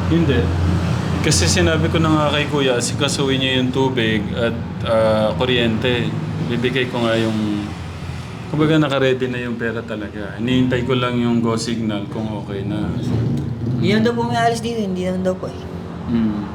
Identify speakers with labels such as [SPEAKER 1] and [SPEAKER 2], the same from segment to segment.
[SPEAKER 1] Hindi. Kasi sinabi ko na nga kay Kuya, sikasuhin niya yung tubig at kuryente. Bibigay ko nga yung... Kumbaga naka-ready na yung pera talaga. Hinihintay ko lang yung go signal kung okay na.
[SPEAKER 2] Hindi naman daw po may alis dito, hindi naman daw po eh.
[SPEAKER 1] Hmm.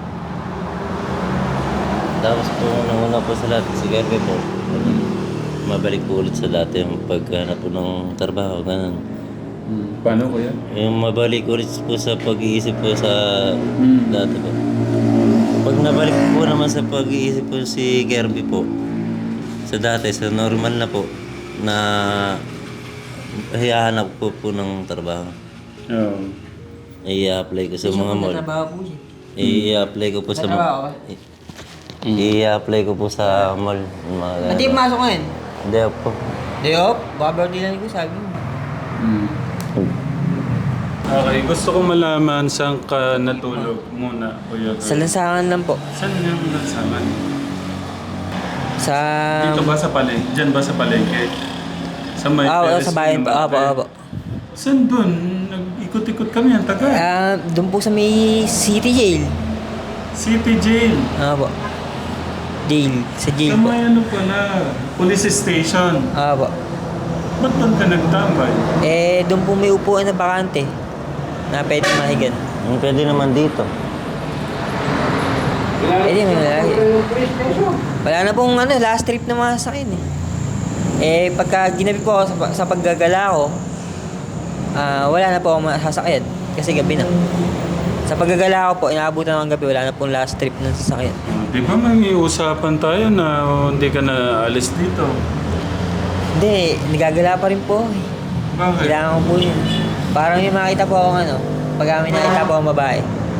[SPEAKER 3] Tapos po, nanguna po sa lahat, si Kirby po. Mabalik po ulit sa dati yung paghanap po ng trabaho, ganun.
[SPEAKER 1] Paano Kuya?
[SPEAKER 3] Yung mabalik ulit po sa pag-iisip po sa dati po. Pag nabalik po naman sa pag-iisip po si Kirby po, sa dati, sa normal na po, na hihahanap po ng trabaho.
[SPEAKER 1] Oo.
[SPEAKER 3] I-apply ko sa mga mall.
[SPEAKER 2] Trabaho po siya.
[SPEAKER 3] I-apply ko po sa
[SPEAKER 2] Trabaho ka?
[SPEAKER 3] I-apply ko po sa mall. Mga
[SPEAKER 2] Hindi masok ngayon.
[SPEAKER 3] Hindi po.
[SPEAKER 2] Day off? Baka birthday lang ko sabi mo.
[SPEAKER 1] Okay, gusto ko malaman saan ka natulog muna, Kuya.
[SPEAKER 2] Sa lansangan lang po.
[SPEAKER 1] Saan yung lansangan?
[SPEAKER 2] Sa...
[SPEAKER 1] Dito ba sa palengke? Diyan ba sa palengke? Sa may
[SPEAKER 2] wala
[SPEAKER 1] terrace
[SPEAKER 2] sa bayan
[SPEAKER 1] ng
[SPEAKER 2] po. Apo,
[SPEAKER 1] malaki?
[SPEAKER 2] apo.
[SPEAKER 1] Saan doon? Nag-ikot-ikot kami ang taga.
[SPEAKER 2] Doon po sa may city jail.
[SPEAKER 1] City Jail.
[SPEAKER 2] Apo. Jail. Sa jail
[SPEAKER 1] Sa
[SPEAKER 2] po.
[SPEAKER 1] may ano pala, police station.
[SPEAKER 2] Apo.
[SPEAKER 1] Ba't doon ka nagtambay?
[SPEAKER 2] Doon po may upuan na bakante. Na pwede mahigan.
[SPEAKER 3] Pwede naman dito.
[SPEAKER 2] May malaki. Wala na pong last trip na mga sakyan eh. Pagka ginabi po ako sa paggagala ko, wala na po ako masasakyan. Kasi gabi na. Sa paggagala ko po, inaabutan ng gabi, wala na pong last trip ng sasakyan.
[SPEAKER 1] Di ba may usapan tayo na hindi ka na alis dito?
[SPEAKER 2] Hindi, nagagala pa rin po.
[SPEAKER 1] Bakit?
[SPEAKER 2] Kailangan ko po yun. Parang may makita po akong pag may nakita po akong babae.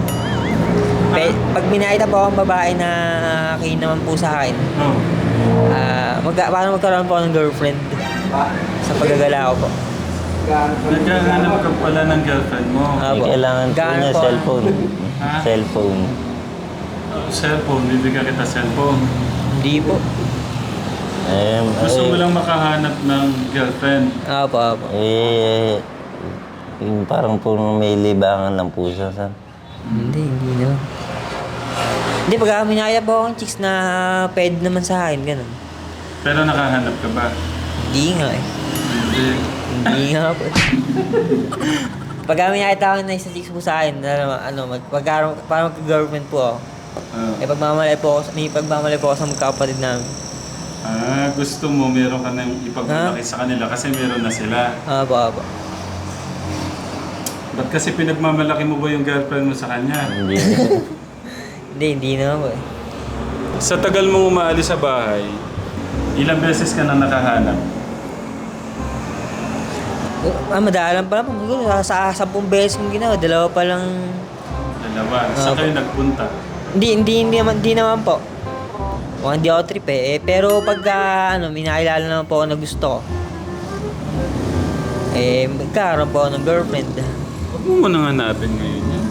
[SPEAKER 2] Pag minakita po akong babae na kayo naman po sa akin,
[SPEAKER 1] Oh.
[SPEAKER 2] parang magkaroon po ako ng girlfriend sa paggagala ko po.
[SPEAKER 1] Naghahanap ka pala ng girlfriend mo.
[SPEAKER 2] Apo.
[SPEAKER 3] Kailangan po
[SPEAKER 2] Gaano
[SPEAKER 3] niya
[SPEAKER 2] po?
[SPEAKER 3] cellphone.
[SPEAKER 1] Ha?
[SPEAKER 3] Cellphone.
[SPEAKER 1] Cellphone, bibigyan kita cellphone.
[SPEAKER 2] Hindi po.
[SPEAKER 1] Gusto mo lang makahanap ng girlfriend.
[SPEAKER 2] Apo, apo.
[SPEAKER 3] Yung parang po may libangan lang po siya.
[SPEAKER 2] Hindi naman. Hindi, pag minakita po akong chicks na pwede naman sa akin, ganun.
[SPEAKER 1] Pero nakahanap ka ba?
[SPEAKER 2] Hindi nga eh.
[SPEAKER 1] Hindi.
[SPEAKER 2] Hindi nga po. Pag minakita ako na isang chicks po sa akin, parang magka-girlfriend po ako. Pagmamalay po ako, may pagmamalay po ako sa magkakapatid namin.
[SPEAKER 1] Gusto mo meron ka nang ipagmalaki sa kanila kasi meron na sila.
[SPEAKER 2] Apo, apo.
[SPEAKER 1] Ba't kasi pinagmamalaki mo ba yung girlfriend mo sa kanya?
[SPEAKER 3] Hindi.
[SPEAKER 2] Hindi naman po eh.
[SPEAKER 1] Sa tagal mong umaalis sa bahay, ilang beses ka na nakahanap?
[SPEAKER 2] Madalang pa lang. Siguro sa 10 beses kong ginawa, 2 pa lang.
[SPEAKER 1] Dalawa. Saan kayo nagpunta?
[SPEAKER 2] Hindi naman po. Hindi ako trip eh. Pero pagka may nakilala naman po ako na gusto ko, magkaroon po ako ng girlfriend.
[SPEAKER 1] Huwag mo nang hanapin ngayon yan.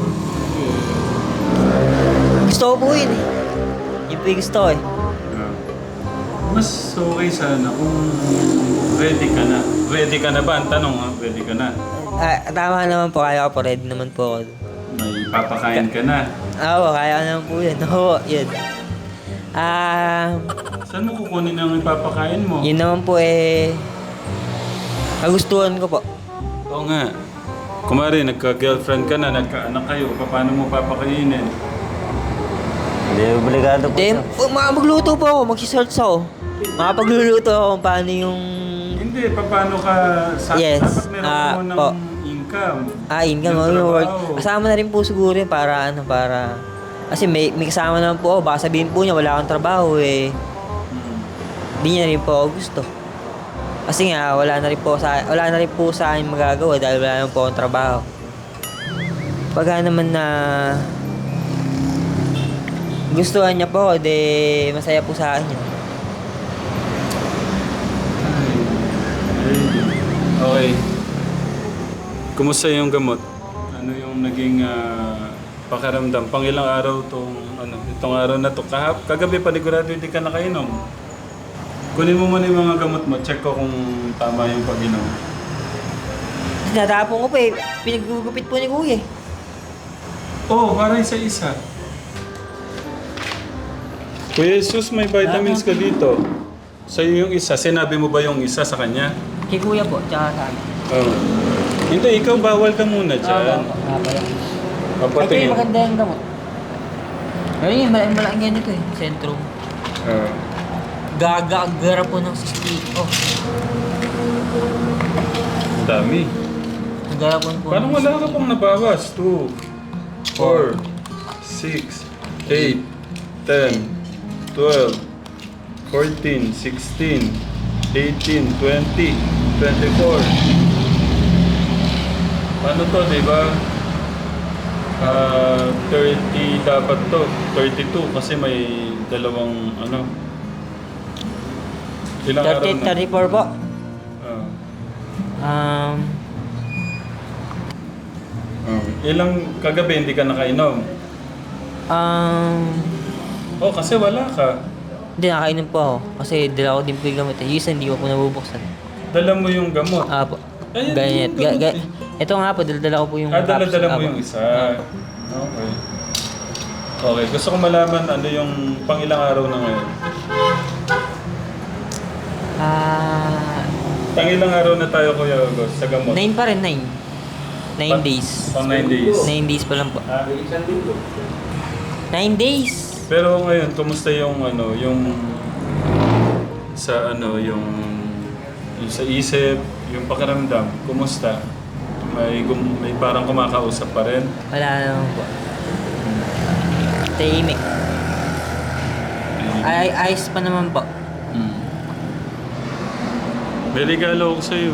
[SPEAKER 2] Gusto ko po yun eh. Yun po yung gusto ko eh.
[SPEAKER 1] Mas okay sana kung ready ka na. Ready ka na ba? Ang tanong ha, ready ka na.
[SPEAKER 2] Tama naman po, kaya ko po. Ready naman po ako.
[SPEAKER 1] May papakain ka na.
[SPEAKER 2] Oo, kaya ko naman po yun. Oo, yun.
[SPEAKER 1] Saan mo kukunin ang ipapakain mo?
[SPEAKER 2] Yun naman po kagustuhan ko po.
[SPEAKER 1] Oo nga. Kumari, nagka-girlfriend ka na, nagka-anak kayo, paano mo papakainin?
[SPEAKER 3] Hindi, obligado po
[SPEAKER 2] Then,
[SPEAKER 3] siya.
[SPEAKER 2] magluto po ako, magsisearch ako. Makapagluluto ako kung paano yung...
[SPEAKER 1] Hindi, paano ka...
[SPEAKER 2] Yes.
[SPEAKER 1] Dapat meron mo ng
[SPEAKER 2] Po.
[SPEAKER 1] income.
[SPEAKER 2] Income
[SPEAKER 1] Yung
[SPEAKER 2] yung work.
[SPEAKER 1] trabaho.
[SPEAKER 2] Kasama na rin po siguro yun para... Kasi may kasama naman po ako, baka sabihin po niya wala akong trabaho eh. Hindi niya rin po ako gusto. Kasi nga, wala na rin po sa akin magagawa dahil wala naman po akong trabaho. Pagka naman na gustuhan niya po, masaya po sa akin yun.
[SPEAKER 1] Okay. Kumusta yung gamot? Ano yung naging pakiramdam? Pang ilang araw itong araw na to? Kagabi panigurado hindi ka nakainom. Kunin mo muna yung mga gamot mo. Check ko kung tama yung pag-inom.
[SPEAKER 2] Tinatapon ko pa eh. Pinaggugupit po ni Kuya eh.
[SPEAKER 1] Oh, parang isa-isa. Kuya Jesus, may vitamins ka dito. Sa'yo yung isa. Sinabi mo ba yung isa sa kanya?
[SPEAKER 2] Kay kuya po, tsaka sa akin.
[SPEAKER 1] Oo. Hindi, ikaw bawal ka muna dyan.
[SPEAKER 2] Pala. Ito
[SPEAKER 1] Papatingin.
[SPEAKER 2] yung maganda yung gamot. Pero yun, malaking ganito eh. Sentrum. Gagagara po ng 60. Oh.
[SPEAKER 1] Ang dami.
[SPEAKER 2] Gagara po po.
[SPEAKER 1] Parang wala ka pang nabawas. 2, 4, 6, 8, 10, 12, 14, 16, 18, 20, 24. Ano to, di ba? 30 dapat to. 32 kasi may dalawang ano. Ilang araw
[SPEAKER 2] 30,
[SPEAKER 1] na?
[SPEAKER 2] 34 po.
[SPEAKER 1] Ah. Ilang kagabi hindi ka nakainom? Oh, kasi wala ka.
[SPEAKER 2] Hindi, nakainom po ako. Kasi dala ko din po yung gamot eh. Yung isa hindi ko po nabubuksan.
[SPEAKER 1] Dala mo yung gamot.
[SPEAKER 2] Po.
[SPEAKER 1] Ayun,
[SPEAKER 2] Ganyan.
[SPEAKER 1] yung gamot eh.
[SPEAKER 2] Ito nga po, dala ko po yung
[SPEAKER 1] Dala-dala mo
[SPEAKER 2] Apo.
[SPEAKER 1] yung isa. Okay. Okay, gusto ko malaman ano yung pang-ilang araw na ngayon. Pang-ilang araw na tayo, Kuya August, sa gamot?
[SPEAKER 2] 9 pa rin, 9. 9 days.
[SPEAKER 1] Pang 9 days.
[SPEAKER 2] 9 days pa lang po.
[SPEAKER 1] Ah,
[SPEAKER 2] 9 days!
[SPEAKER 1] pero ngayon, kumusta yung ano, yung sa ano, yung sa isip, yung pakiramdam, kumusta? May parang kumakausap pa rin?
[SPEAKER 2] Wala naman po. Tahimik. Ayos pa naman po.
[SPEAKER 1] May regalo ako sa'yo.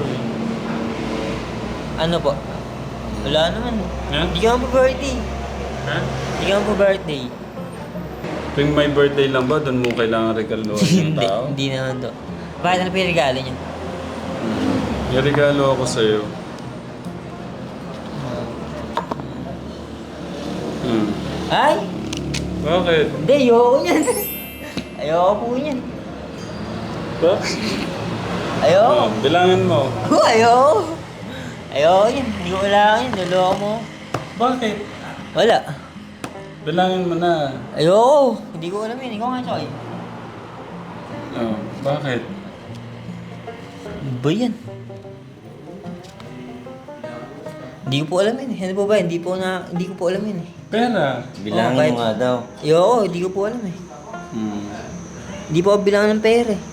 [SPEAKER 2] Ano po? Wala naman.
[SPEAKER 1] Ha?
[SPEAKER 2] Hindi ka po birthday.
[SPEAKER 1] Ha?
[SPEAKER 2] Hindi ka po birthday.
[SPEAKER 1] Tuwing may birthday lang ba, doon mo kailangan regaloan yung
[SPEAKER 2] Hindi,
[SPEAKER 1] tao?
[SPEAKER 2] hindi naman to. Bakit ano pa yung regalo niya?
[SPEAKER 1] May regalo ako sa'yo.
[SPEAKER 2] Ay!
[SPEAKER 1] Bakit?
[SPEAKER 2] Hindi, ayoko niyan. Ayoko po niyan.
[SPEAKER 1] Ba?
[SPEAKER 2] Ayoko.
[SPEAKER 1] Bilangin mo.
[SPEAKER 2] Ayoko. Ayoko yan. Hindi ko kailangan yan. Naloko mo.
[SPEAKER 1] Bakit?
[SPEAKER 2] Wala.
[SPEAKER 1] Bilangin mo na.
[SPEAKER 2] Ayoko. Hindi ko alam yun. Ikaw nga, Choy.
[SPEAKER 1] Oh, bakit?
[SPEAKER 2] Ano ba yan? Hindi ko po alam yun. Ano po ba? Hindi ko po alam yun eh.
[SPEAKER 1] Pera.
[SPEAKER 3] Bilangin
[SPEAKER 2] bakit?
[SPEAKER 3] mo nga daw.
[SPEAKER 2] Ayoko. Hindi ko po alam eh. Hindi po ako bilangan ng pera eh.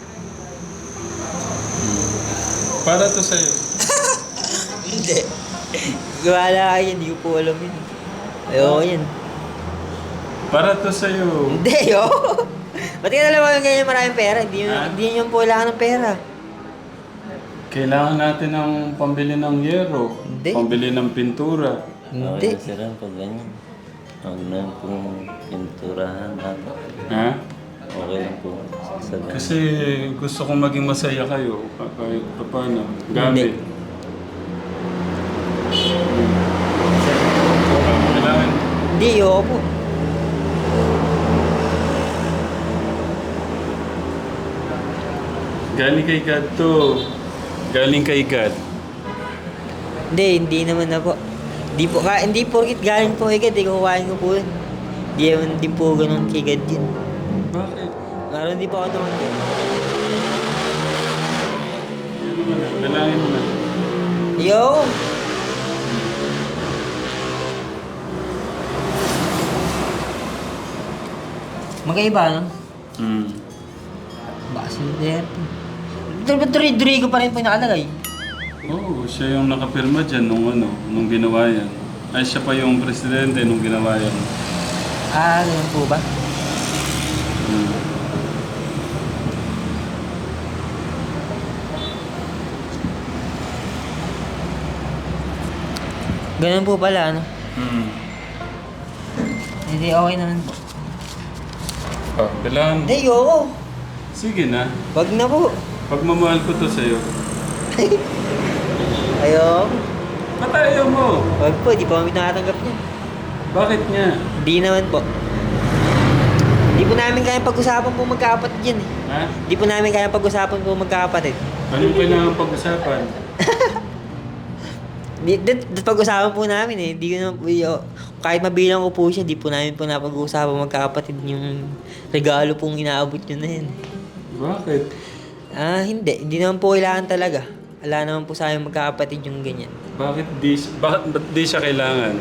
[SPEAKER 1] Para to sa'yo.
[SPEAKER 2] Hindi. Wala kayo. Hindi ko po alam yun eh. Ayoko yan.
[SPEAKER 1] Para to sa'yo.
[SPEAKER 2] Hindi, ayoko. Ba't ka nalang yung ganyan maraming pera? Hindi yun po kailangan ng pera.
[SPEAKER 1] Kailangan natin ng pambili ng yero.
[SPEAKER 2] Hindi.
[SPEAKER 1] Pambili ng pintura.
[SPEAKER 2] Hindi.
[SPEAKER 3] Okay, sir, pag ganyan. Huwag na pong pinturahan natin.
[SPEAKER 1] Ha?
[SPEAKER 3] Okay lang po. Sa ganyan.
[SPEAKER 1] Kasi gusto kong maging masaya kayo. Kahit paano. Gamit. Kailangan.
[SPEAKER 2] Hindi, ayoko po.
[SPEAKER 1] Galing kay God to. Galing kay God.
[SPEAKER 2] Hindi naman na po. Hindi porkit galing po kay God, kukuhain ko po yun. Hindi naman din po ganun kay God yun.
[SPEAKER 1] Bakit?
[SPEAKER 2] Meron din po ako naman po.
[SPEAKER 1] Dalangin mo na.
[SPEAKER 2] Yo! Magkaiba, no? Basilder. Duri ko pa rin po yung nakalagay.
[SPEAKER 1] Oo, siya yung nakapirma dyan nung ginawa yan. Ay, siya pa yung presidente nung ginawa yan.
[SPEAKER 2] Ganun po ba? Ganun po pala, ano? Hindi, okay naman po.
[SPEAKER 1] Bilang.
[SPEAKER 2] Hindi, ayoko.
[SPEAKER 1] Sige na.
[SPEAKER 2] Wag na po.
[SPEAKER 1] Pagmamahal ko to sa'yo.
[SPEAKER 2] Ayoko.
[SPEAKER 1] Ba't ayaw mo?
[SPEAKER 2] Wag po, di po kami nakatanggap niyan.
[SPEAKER 1] Bakit nga?
[SPEAKER 2] Di naman po. Di po namin kaya pag-usapan po magkakapatid yan eh.
[SPEAKER 1] Ha?
[SPEAKER 2] Di po namin kaya pag-usapan po magkakapatid.
[SPEAKER 1] Anong kailangan pag-usapan?
[SPEAKER 2] Di pag-usapan po namin eh. Di ko naman po kahit mabilang ko po siya, di po namin po napag-uusapan magkakapatid yung regalo pong inaabot nyo na yun.
[SPEAKER 1] Bakit?
[SPEAKER 2] Hindi. Hindi naman po kailangan talaga. Wala naman po sa amin magkakapatid yung ganyan.
[SPEAKER 1] Bakit ba't di siya kailangan?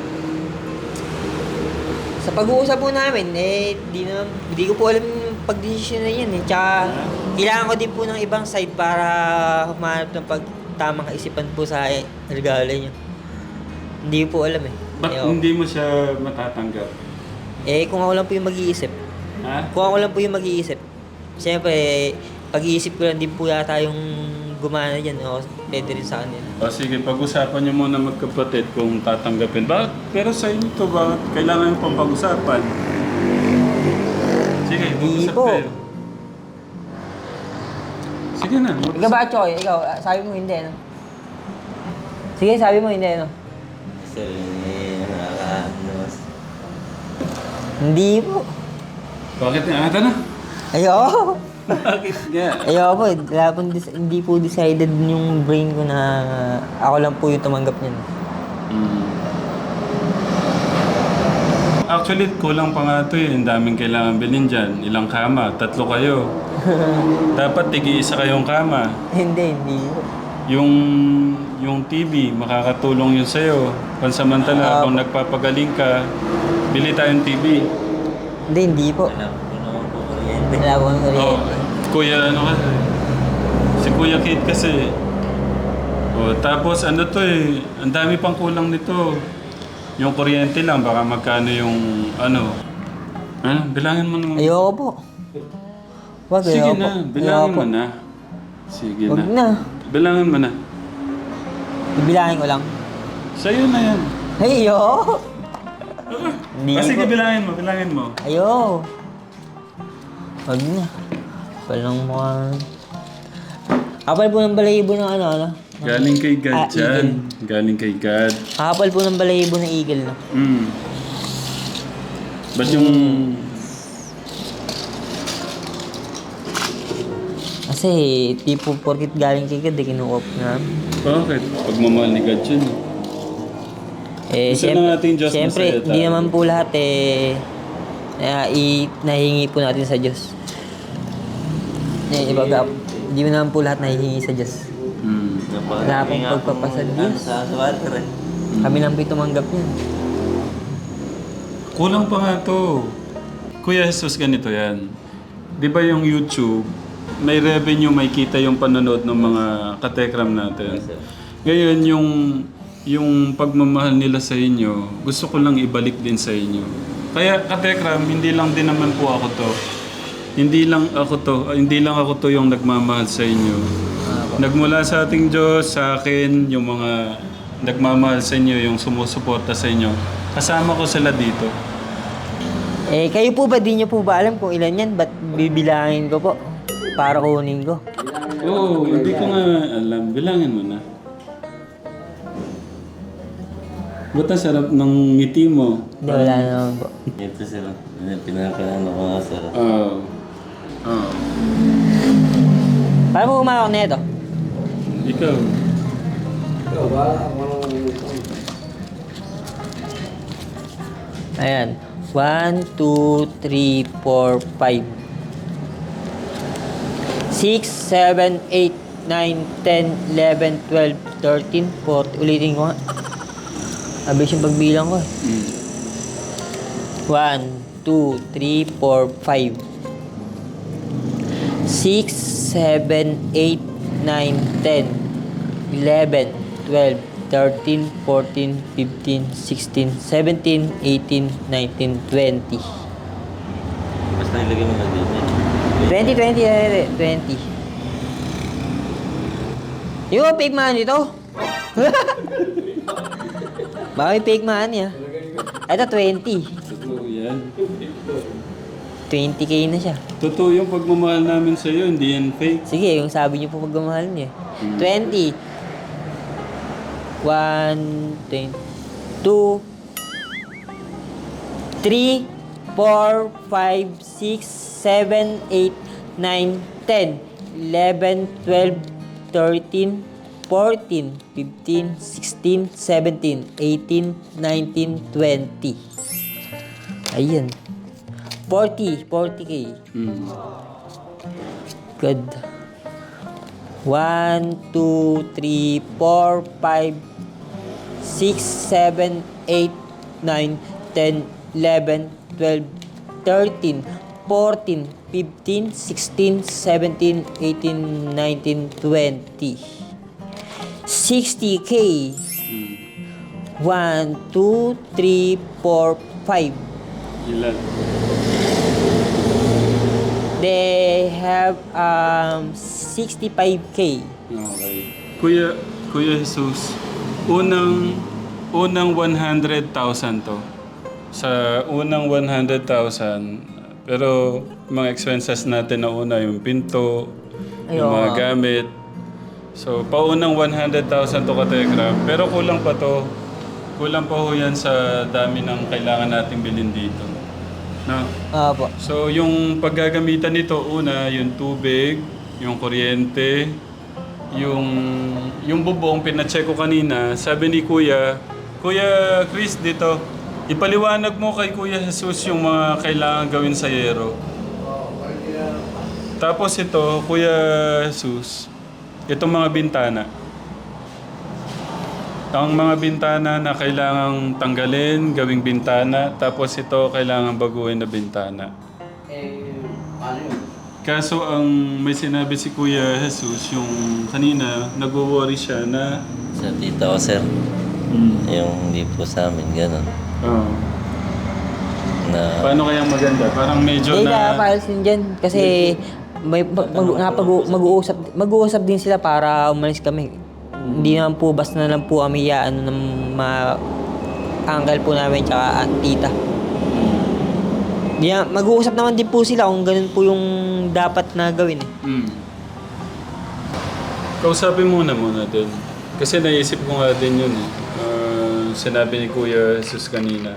[SPEAKER 2] Sa pag-uusap po namin, di ko po alam yung pagdesisyon na yan eh. Tsaka, kailangan ko din po ng ibang side para humanap ng tamang kaisipan po sa regalo nyo. Hindi ko po alam eh.
[SPEAKER 1] Ba't hindi mo siya matatanggap?
[SPEAKER 2] Kung ako lang po yung mag-iisip.
[SPEAKER 1] Ha?
[SPEAKER 2] Kung ako lang po yung mag-iisip. Siyempre, pag-iisip ko lang din po yata yung gumana dyan. O, pwede rin sa kanila.
[SPEAKER 1] O sige, pag-usapan niyo muna magkapatid kung tatanggapin. Bakit? Pero sa inyo to, bakit kailangan yung pang pag-usapan? Sige, mag-usap
[SPEAKER 2] po.
[SPEAKER 1] kayo. Sige na,
[SPEAKER 2] Ikaw ba, Choy? Ikaw, sabi mo hindi, no? Sige, sabi mo hindi, no?
[SPEAKER 3] Sir, nakakaano.
[SPEAKER 2] Hindi po.
[SPEAKER 1] Bakit nga? Ata na.
[SPEAKER 2] Ayoko.
[SPEAKER 1] Bakit nga?
[SPEAKER 2] Ayoko po. Hindi po decided yung brain ko na ako lang po yung tumanggap niyan.
[SPEAKER 1] Actually, kulang pa nga ito eh. Ang daming kailangan bilhin dyan. Ilang kama? 3 kayo. Dapat tigi-isa kayong kama.
[SPEAKER 2] Hindi po.
[SPEAKER 1] Yung TV, makakatulong yun sa'yo. Pansamantala, kung nagpapagaling ka, bili tayong TV.
[SPEAKER 2] Hindi po.
[SPEAKER 3] Alam ko naman po kuryente.
[SPEAKER 2] Wala po ng
[SPEAKER 1] Oh,
[SPEAKER 2] kuryente.
[SPEAKER 1] Kuya, ano kasi? Si Kuya Kid kasi. Oh, tapos ano to eh, ang dami pang kulang nito. Yung kuryente lang, baka magkano yung ano. Bilangin mo naman.
[SPEAKER 2] Ayoko po. Wag,
[SPEAKER 1] Sige
[SPEAKER 2] ayoko
[SPEAKER 1] na,
[SPEAKER 2] po.
[SPEAKER 1] bilangin
[SPEAKER 2] Ayoko
[SPEAKER 1] mo
[SPEAKER 2] po.
[SPEAKER 1] na. Sige
[SPEAKER 2] Wag
[SPEAKER 1] na.
[SPEAKER 2] na.
[SPEAKER 1] Bilangin mo na.
[SPEAKER 2] Ibilangin ko lang.
[SPEAKER 1] Sa'yo na yan.
[SPEAKER 2] Ay, ayoko. Hindi
[SPEAKER 1] Sige,
[SPEAKER 2] po.
[SPEAKER 1] bilangin mo.
[SPEAKER 2] Ayoko. Wag na. Walang mukha. Kapal po ng balahibo ng ano.
[SPEAKER 1] Galing kay God
[SPEAKER 2] Eagle.
[SPEAKER 1] dyan. Galing kay God.
[SPEAKER 2] Kapal po ng balahibo ng eagle, no?
[SPEAKER 1] Ba't yung...
[SPEAKER 2] Kasi, tipo, porkit galing kay God, kinuha po na.
[SPEAKER 1] Bakit? Pagmamahal ni God yun. Gusto na natin Diyos
[SPEAKER 2] siyempre,
[SPEAKER 1] masaya tayo.
[SPEAKER 2] hindi naman po lahat nahihingi po natin sa Diyos. Ibaga, hindi naman po lahat nahihingi sa Diyos. Wala pong pagpapasad Diyos.
[SPEAKER 3] Sa water eh.
[SPEAKER 2] Kami lang po tumanggap niyan.
[SPEAKER 1] Kulang pa nga to. Kuya Jesus, ganito yan. Di ba yung YouTube, may revenue, may kita yung panonood ng mga katekram natin. Ngayon, yung pagmamahal nila sa inyo, gusto ko lang ibalik din sa inyo. Kaya katekram, hindi lang din naman po ako to. Hindi lang ako to yung nagmamahal sa inyo. Nagmula sa ating Diyos, sa akin, yung mga nagmamahal sa inyo, yung sumusuporta sa inyo. Kasama ko sila dito.
[SPEAKER 2] Kayo po ba, di nyo po ba alam kung ilan yan? Ba't bibilangin ko po? Para kunin ko.
[SPEAKER 1] Oo, hindi ko nga alam. Bilangin mo na. Ba't ang sarap ng ngiti mo?
[SPEAKER 2] Hindi, wala naman po.
[SPEAKER 3] Ito sir. Pinakaano ko nga sir.
[SPEAKER 1] Oo.
[SPEAKER 2] Paano mo umakak na ito?
[SPEAKER 1] Ikaw.
[SPEAKER 2] Ayan. 1, 2, 3, 4, 5. 6, 7, 8, 9, 10, 11, 12, 13, 14. Ulitin ko nga. Abis yung pagbilang ko. 1, 2, 3, 4, 5. 6, 7, 8, 9, 10, 11, 12, 13, 14, 15, 16, 17, 18, 19, 20.
[SPEAKER 3] Basta ilagay mo na din yan.
[SPEAKER 2] 20. Yung fake money to. Baka may fake money ah. Ito 20.
[SPEAKER 1] Totoo yan.
[SPEAKER 2] 20k na siya.
[SPEAKER 1] Totoo yung pagmamahal namin sa iyo, hindi yan fake.
[SPEAKER 2] Sige, yung sabi niyo po pagmamahal niya. 20. 1, 2, 3, 4, 5, 6, 7, 8, 9, 10, 11, 12, 13, 14, 15, 16, 17, 18, 19, 20. Ayun. 40K.
[SPEAKER 1] Mm.
[SPEAKER 2] Good. 1, 2, 3, 4, 5, 6, 7, 8, 9, 10, 11, 12, 13, 14, 15, 16, 17, 18, 19, 20. 60K.
[SPEAKER 1] Mm.
[SPEAKER 2] 1, 2, 3, 4, 5.
[SPEAKER 1] Ilan?
[SPEAKER 2] They have 65K.
[SPEAKER 1] Okay. Kuya Jesus, unang 100,000 to. Sa unang 100,000, pero mga expenses natin na una, yung pinto, yung mga gamit. So, paunang 100,000 to Kategram. Pero kulang pa to. Kulang pa ho yan sa dami ng kailangan nating bilhin dito. No?
[SPEAKER 2] Opo.
[SPEAKER 1] So, yung paggagamitan nito, una, yung tubig, yung kuryente, yung bubong, pinacheck ko kanina, sabi ni Kuya Chris dito, ipaliwanag mo kay Kuya Jesus yung mga kailangan gawin sa yero. Tapos ito, Kuya Jesus, itong mga bintana. Ang mga bintana na kailangang tanggalin, gawing bintana, tapos ito kailangang baguhin na bintana. Kaso ang may sinabi si Kuya Jesus, yung kanina, nag-worry siya na...
[SPEAKER 3] Sa tita ko, sir. Yung hindi po sa amin, gano'n.
[SPEAKER 1] Oh,
[SPEAKER 3] Na,
[SPEAKER 1] paano kaya maganda? Parang medyo
[SPEAKER 2] Hindi
[SPEAKER 1] na...
[SPEAKER 2] files din dyan kasi may mag-uusap din sila para umalis kami. Hindi naman po basta na lang po kami ng uncle po namin tsaka tita. Mag-uusap naman din po sila kung ganun po yung dapat na gawin eh.
[SPEAKER 1] Kausapin muna din. Kasi naisip ko nga din yun eh. Sinabi ni Kuya Jesus kanina.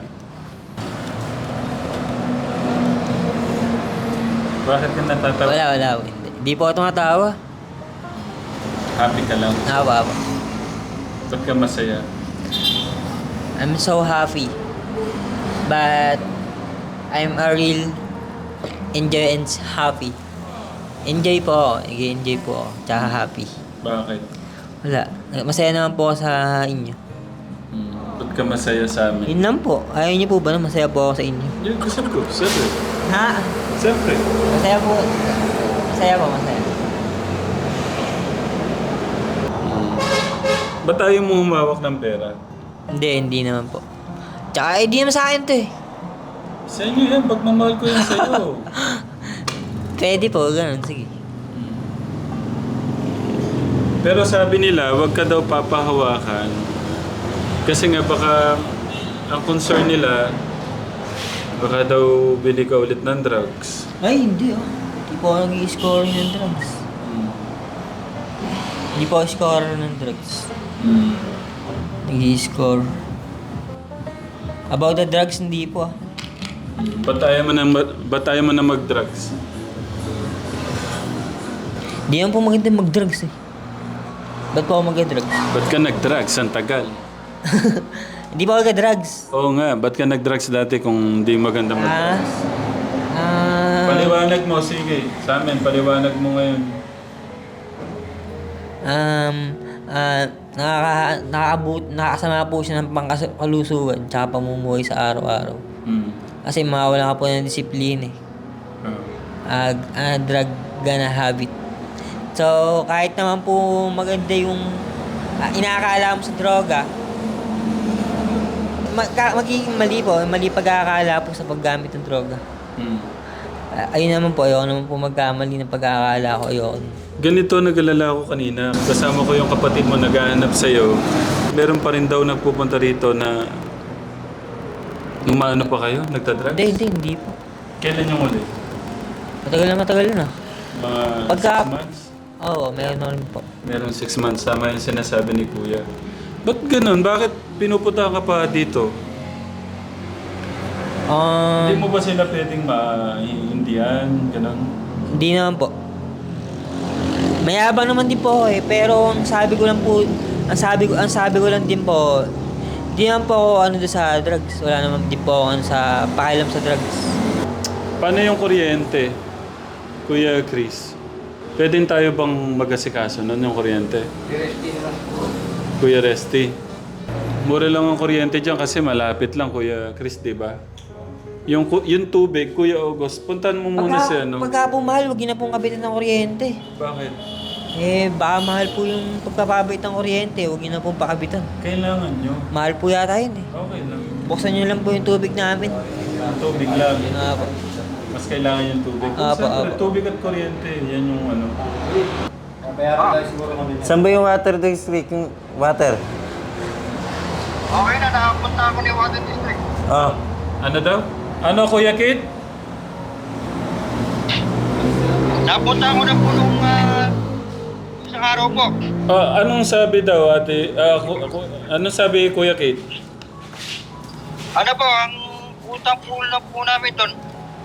[SPEAKER 1] Bakit ka natatawa?
[SPEAKER 2] Wala. Hindi po ako tumatawa.
[SPEAKER 1] Happy ka lang?
[SPEAKER 2] Nawa.
[SPEAKER 1] Ba't ka masaya?
[SPEAKER 2] I'm so happy. But I'm a real enjoy and happy. Enjoy po ako. Nag-enjoy po ako. Tsaka happy.
[SPEAKER 1] Bakit?
[SPEAKER 2] Wala. Masaya naman po ako sa inyo.
[SPEAKER 1] Ba't ka masaya sa amin?
[SPEAKER 2] Yun lang po. Ayaw niyo po ba na masaya po ako sa inyo?
[SPEAKER 1] Yun, gusto ko. Siyempre.
[SPEAKER 2] Ha?
[SPEAKER 1] Siyempre.
[SPEAKER 2] Masaya po. Masaya.
[SPEAKER 1] Ba't ayaw mo humawak ng pera?
[SPEAKER 2] Hindi naman po. Tsaka hindi naman sa akin to eh.
[SPEAKER 1] Sa inyo yan. Pagmamahal ko yan sa'yo.
[SPEAKER 2] Pwede po, ganun. Sige.
[SPEAKER 1] Pero sabi nila, wag ka daw papahawakan. Kasi nga baka, ang concern nila, baka daw bili ka ulit ng drugs.
[SPEAKER 2] Ay, hindi oh. Hindi po ako nag-i-score ng drugs. Hindi po ako scorer ng drugs. Nag-i-score. About the drugs, hindi po ah.
[SPEAKER 1] Ba't ayaw mo na mag-drugs?
[SPEAKER 2] Hindi naman po maganda mag-drugs eh. Ba't po ako mag-drugs?
[SPEAKER 1] Ba't ka nag-drugs? Ang tagal.
[SPEAKER 2] Hindi po ako mag-drugs.
[SPEAKER 1] Oo nga, ba't ka nag-drugs dati kung hindi maganda mag-drugs? Paliwanag mo, sige. Sa amin, paliwanag mo ngayon.
[SPEAKER 2] Nakakasama po siya ng pangkalusugan tsaka pamumuhay sa araw-araw. Kasi mawala ka po ng disiplina eh. Drug gana habit. So, kahit naman po maganda yung inaakala mo sa droga, magiging mali pag-aakala po sa paggamit ng droga. Ayun naman po, ayoko naman po magkamali ng pag-aakala ko, ayoko.
[SPEAKER 1] Ganito nag-alala ko kanina. Kasama ko yung kapatid mo naghahanap sa'yo. Meron pa rin daw nagpupunta rito na umaano pa kayo? Nagtadrugs?
[SPEAKER 2] Hindi po.
[SPEAKER 1] Kailan yung uli?
[SPEAKER 2] Matagal na.
[SPEAKER 1] Mga
[SPEAKER 2] Pagka-
[SPEAKER 1] 6 months?
[SPEAKER 2] Oo, meron na rin po.
[SPEAKER 1] Meron 6 months. Tama yung sinasabi ni Kuya. Ba't ganun? Bakit pinupunta ka pa dito? Hindi mo ba sila pwedeng maintindihan? Ganun?
[SPEAKER 2] Hindi naman po. Mayabang naman din po ako eh, pero ang sabi ko lang din po, Di naman po ako ano doon sa drugs. Wala naman di po ako ano sa pakialam sa drugs.
[SPEAKER 1] Paano yung kuryente, Kuya Chris? Pwede tayo bang mag-asikaso nun yung kuryente? Kuya Resty. Mura lang ang kuryente dyan kasi malapit lang, Kuya Chris, di ba? Yung tubig, Kuya August, puntan mo muna si ano.
[SPEAKER 2] Pagka po mahal, huwag yun na pong kapitan ng kuryente.
[SPEAKER 1] Bakit?
[SPEAKER 2] Baka mahal po yung pagpapabait ng kuryente. Huwag yun na pong pakapitan.
[SPEAKER 1] Kailangan nyo.
[SPEAKER 2] Mahal po yata yun eh.
[SPEAKER 1] Okay lang.
[SPEAKER 2] Buksan nyo lang po yung tubig namin.
[SPEAKER 1] Tubig lang.
[SPEAKER 2] Apo.
[SPEAKER 1] Mas kailangan yung tubig. Kung
[SPEAKER 2] Apo,
[SPEAKER 1] siyempre,
[SPEAKER 2] apo.
[SPEAKER 1] tubig at kuryente, yan yung ano.
[SPEAKER 3] Saan ba yung water district? Yung water?
[SPEAKER 4] Okay na, nakapunta ako ni Water District.
[SPEAKER 3] Oh.
[SPEAKER 1] Ano daw? Ano, Kuya Kit?
[SPEAKER 4] Napunta ako na po nung isang araw po.
[SPEAKER 1] Anong sabi daw, ate? Anong sabi, Kuya Kit?
[SPEAKER 4] Ano po, ang utang po lang po namin doon,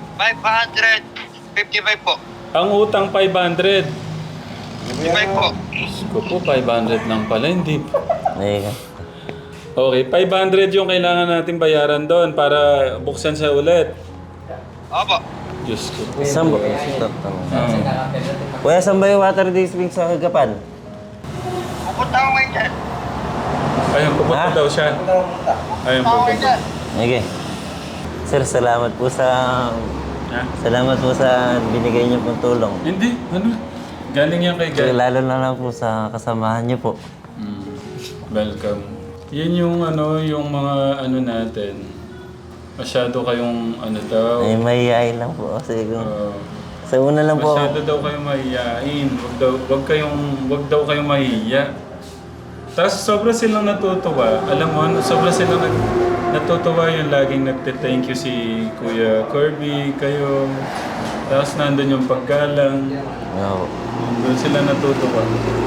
[SPEAKER 4] 555 po.
[SPEAKER 1] Ang utang 500.
[SPEAKER 4] 55 po.
[SPEAKER 1] Ko po, 500 lang pala, hindi.
[SPEAKER 3] Ayun.
[SPEAKER 1] Okay, 500 yung kailangan natin bayaran doon para buksan sa ulit.
[SPEAKER 4] Opo.
[SPEAKER 1] Diyos ko.
[SPEAKER 3] Saan ba? Stop. Kuya, saan ba yung water district sa Gapan?
[SPEAKER 4] Pupunta ako ngayon dyan.
[SPEAKER 1] Ayun, pupunta
[SPEAKER 3] Ha?
[SPEAKER 1] daw siya. Ayun,
[SPEAKER 4] Pupunta ako ngayon
[SPEAKER 1] pupunta.
[SPEAKER 4] dyan.
[SPEAKER 3] Okay. Sir, salamat po sa...
[SPEAKER 1] Ha?
[SPEAKER 3] Salamat po sa binigay niyo pong tulong.
[SPEAKER 1] Hindi, ano? Galing yan kay
[SPEAKER 3] Sir,
[SPEAKER 1] God.
[SPEAKER 3] lalo na lang po sa kasamahan niyo po.
[SPEAKER 1] Welcome. Yan yung ano, yung mga ano natin. Masyado kayong ano daw.
[SPEAKER 3] Ay, mahihayin lang po kasi kung...
[SPEAKER 1] uh,
[SPEAKER 3] Sa una lang po
[SPEAKER 1] Masyado
[SPEAKER 3] ako.
[SPEAKER 1] daw kayong mahihiyain. Wag daw kayong mahihiya. Tapos sobra silang natutuwa. Alam mo, sobra silang natutuwa yung laging nagte-thank you si Kuya Kirby, kayo. Tapos nandun yung paggalang.
[SPEAKER 3] No.
[SPEAKER 1] Doon sila natutuwa.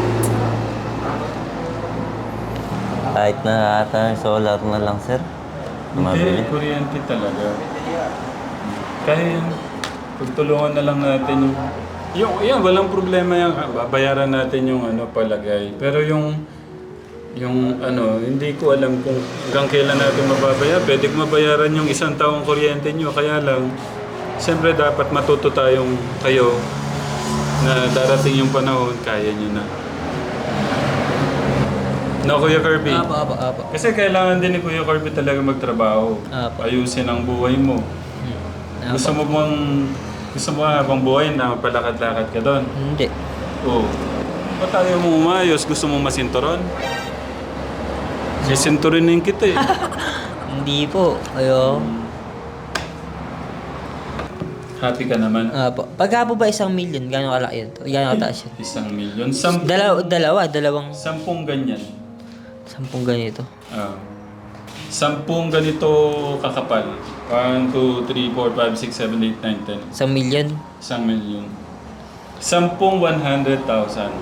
[SPEAKER 3] Kahit na ata solar na lang, sir. Mabili.
[SPEAKER 1] Hindi, kuryente talaga. Kaya yan. Pagtulungan na lang natin yan, walang problema yan. Babayaran natin yung ano, palagay. Pero yung ano, hindi ko alam kung hanggang kailan natin mababayaran. Pwede ko mabayaran yung isang taong kuryente nyo. Kaya lang, siyempre dapat matuto tayong kayo na darating yung panahon, kaya nyo na. No, Kuya Kirby?
[SPEAKER 2] Apo.
[SPEAKER 1] Kasi kailangan din ni Kuya Kirby talaga magtrabaho.
[SPEAKER 2] Apo.
[SPEAKER 1] Ayusin ang buhay mo.
[SPEAKER 2] Apo.
[SPEAKER 1] Gusto mo habang buhay na palakad-lakad ka doon?
[SPEAKER 2] Hindi.
[SPEAKER 1] Oo. Ba't tayo mo umayos? Gusto mo masinturon? Sisinturinin kita eh.
[SPEAKER 2] Hindi po. Ayo.
[SPEAKER 1] Happy ka naman?
[SPEAKER 2] Apo. Pagka po ba 1 million, gano'ng kalaki yun? Gano'ng kataas yun?
[SPEAKER 1] 1 million.
[SPEAKER 2] Dalawang
[SPEAKER 1] 10 ganyan.
[SPEAKER 2] 10 ganito.
[SPEAKER 1] 10 ganito kakapal. 1, 2, 3, 4, 5, 6, 7, 8, 9, 10.
[SPEAKER 2] 1 million?
[SPEAKER 1] 1 million. 10 100,000.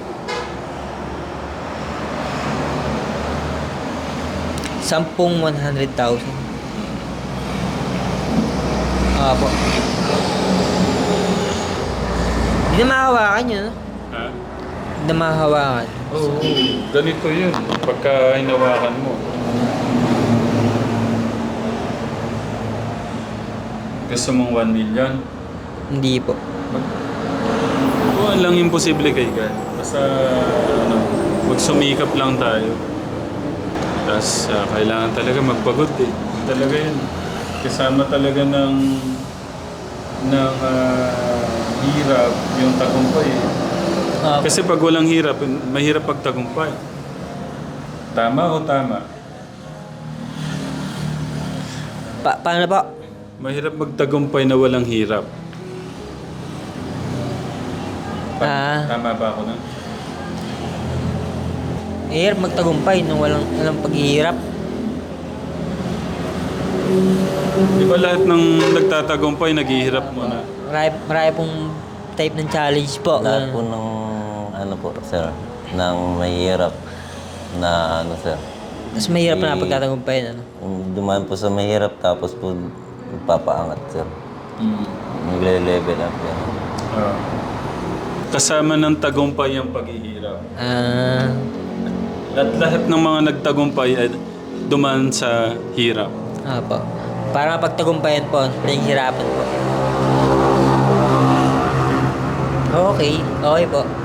[SPEAKER 2] Sampung 100,000. Apo. Hindi na mahawakan yun, no?
[SPEAKER 1] Ha?
[SPEAKER 2] Hindi na mahawakan.
[SPEAKER 1] Oo, ganito yun. Pagka hinawakan mo. Gusto mong 1 million?
[SPEAKER 2] Hindi po.
[SPEAKER 1] Oo, lang imposible kay God. Basta, ano, magsumikap lang tayo. Tapos, kailangan talaga magpagod eh. Talaga yun. Kasama talaga ng hirap yung tagumpay eh.
[SPEAKER 2] Apo.
[SPEAKER 1] Kasi pag walang hirap, mahirap pagtagumpay. Tama o tama?
[SPEAKER 2] Paano po?
[SPEAKER 1] Mahirap magtagumpay na walang hirap. Tama ba ako na?
[SPEAKER 2] Hirap magtagumpay nung walang paghihirap.
[SPEAKER 1] Di ba lahat ng nagtatagumpay, naghihirap muna?
[SPEAKER 2] Marami pong type ng challenge po.
[SPEAKER 3] Lahat po ng ano po, sir, ng mahirap na ano, sir.
[SPEAKER 2] Mas mahirap na pagtatagumpay, ano?
[SPEAKER 3] Dumaan po sa mahirap tapos po papaangat, sir. Nagle-level up yan.
[SPEAKER 1] Kasama ng tagumpay ang paghihirap.
[SPEAKER 2] Ah,
[SPEAKER 1] At lahat ng mga nagtagumpay, dumaan sa hirap.
[SPEAKER 2] Opo. Para mapagtagumpayan po, pinaghirapan po. Okay. Okay po.